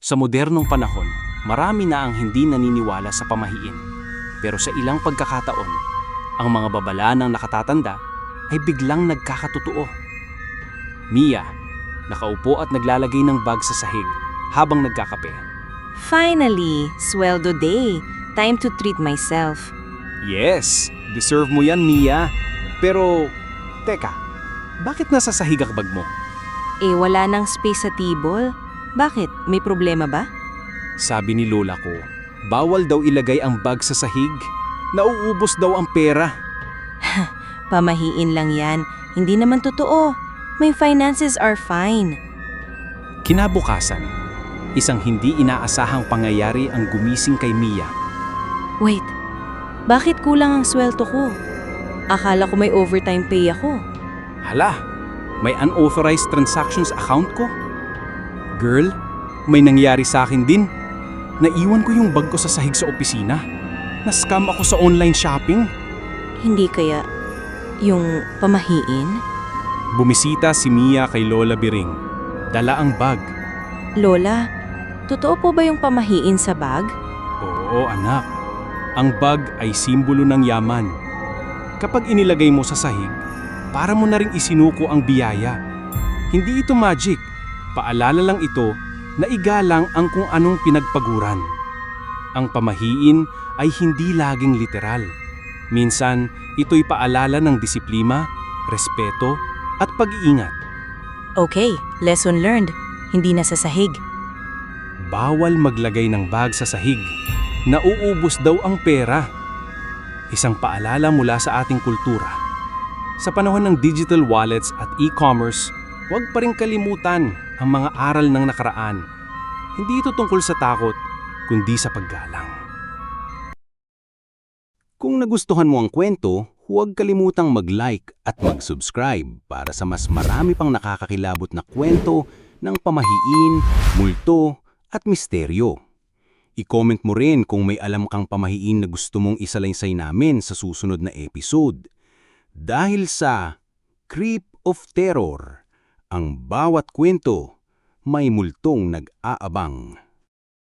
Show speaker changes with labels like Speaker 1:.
Speaker 1: Sa modernong panahon, marami na ang hindi naniniwala sa pamahiin. Pero sa ilang pagkakataon, ang mga babala ng nakatatanda ay biglang nagkakatotoo. Mia, nakaupo at naglalagay ng bag sa sahig habang nagkakape.
Speaker 2: Finally, sweldo day. Time to treat myself.
Speaker 1: Yes, deserve mo yan, Mia. Pero, teka, bakit nasa sahig ang bag mo?
Speaker 2: Wala nang space sa table. Bakit? May problema ba?
Speaker 1: Sabi ni lola ko, bawal daw ilagay ang bag sa sahig. Nauubos daw ang pera.
Speaker 2: Pamahiin lang yan. Hindi naman totoo. My finances are fine.
Speaker 1: Kinabukasan, isang hindi inaasahang pangyayari ang gumising kay Mia.
Speaker 2: Wait, bakit kulang ang sweldo ko? Akala ko may overtime pay ako.
Speaker 1: Hala, may unauthorized transactions account ko? Girl, may nangyari sa akin din. Naiwan ko yung bag ko sa sahig sa opisina. Na-scam ako sa online shopping.
Speaker 2: Hindi kaya yung pamahiin?
Speaker 1: Bumisita si Mia kay Lola Biring. Dala ang bag.
Speaker 2: Lola, totoo po ba yung pamahiin sa bag?
Speaker 1: Oo, anak. Ang bag ay simbolo ng yaman. Kapag inilagay mo sa sahig, para mo na ring isinuko ang biyaya. Hindi ito magic. Paalala lang ito na igalang ang kung anong pinagpaguran. Ang pamahiin ay hindi laging literal. Minsan, ito'y paalala ng disiplina, respeto, at pag-iingat.
Speaker 2: Okay, lesson learned. Hindi na sa sahig.
Speaker 1: Bawal maglagay ng bag sa sahig. Nauubos daw ang pera. Isang paalala mula sa ating kultura. Sa panahon ng digital wallets at e-commerce, huwag pa rin kalimutan ang mga aral ng nakaraan. Hindi ito tungkol sa takot, kundi sa paggalang. Kung nagustuhan mo ang kwento, huwag kalimutang mag-like at mag-subscribe para sa mas marami pang nakakakilabot na kwento ng pamahiin, multo at misteryo. I-comment mo rin kung may alam kang pamahiin na gusto mong isalaysay namin sa susunod na episode. Dahil sa Creep of Terror, ang bawat kwento may multong nag-aabang.